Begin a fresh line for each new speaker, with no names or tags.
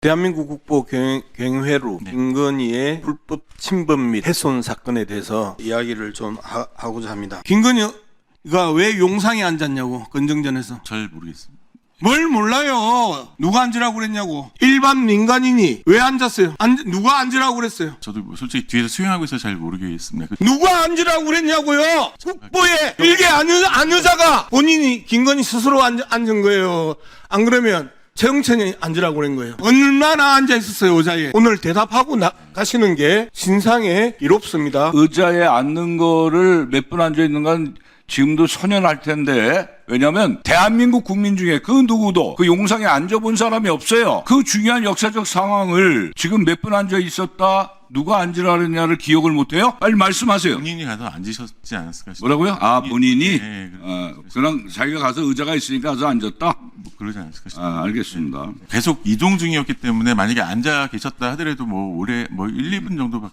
대한민국 국보 경회로
네.
김건희의 불법 침범 및 훼손 사건에 대해서 이야기를 좀 하고자 합니다. 김건희가 왜 용상에 앉았냐고, 건정전에서.
잘 모르겠습니다.
뭘 몰라요. 누가 앉으라고 그랬냐고. 일반 민간인이 왜 앉았어요? 누가 앉으라고 그랬어요?
저도 뭐 솔직히 뒤에서 수행하고 있어서 잘 모르겠습니다.
누가 앉으라고 그랬냐고요. 국보에 일개 안 의자가 본인이 김건희 스스로 앉은 거예요. 안 그러면 최영천이 앉으라고 그런 거예요. 얼마나 앉아 있었어요, 의자에. 오늘 대답하고 가시는 게 신상에 이롭습니다.
의자에 앉는 거를 몇 분 앉아 있는 건 지금도 선연할 텐데, 왜냐면 대한민국 국민 중에 그 누구도 그 용상에 앉아본 사람이 없어요. 그 중요한 역사적 상황을 지금 몇 분 앉아 있었다, 누가 앉으라 그랬냐를 기억을 못해요? 빨리 말씀하세요.
본인이 가서 앉으셨지 않았을까 싶어요.
뭐라고요? 아, 본인이?
네,
그냥 자기가 가서 의자가 있으니까 가서 앉았다?
뭐 그러지 않았을까 싶어요.
아, 알겠습니다.
계속 이동 중이었기 때문에 만약에 앉아 계셨다 하더라도 뭐 오래 1, 2분 정도밖에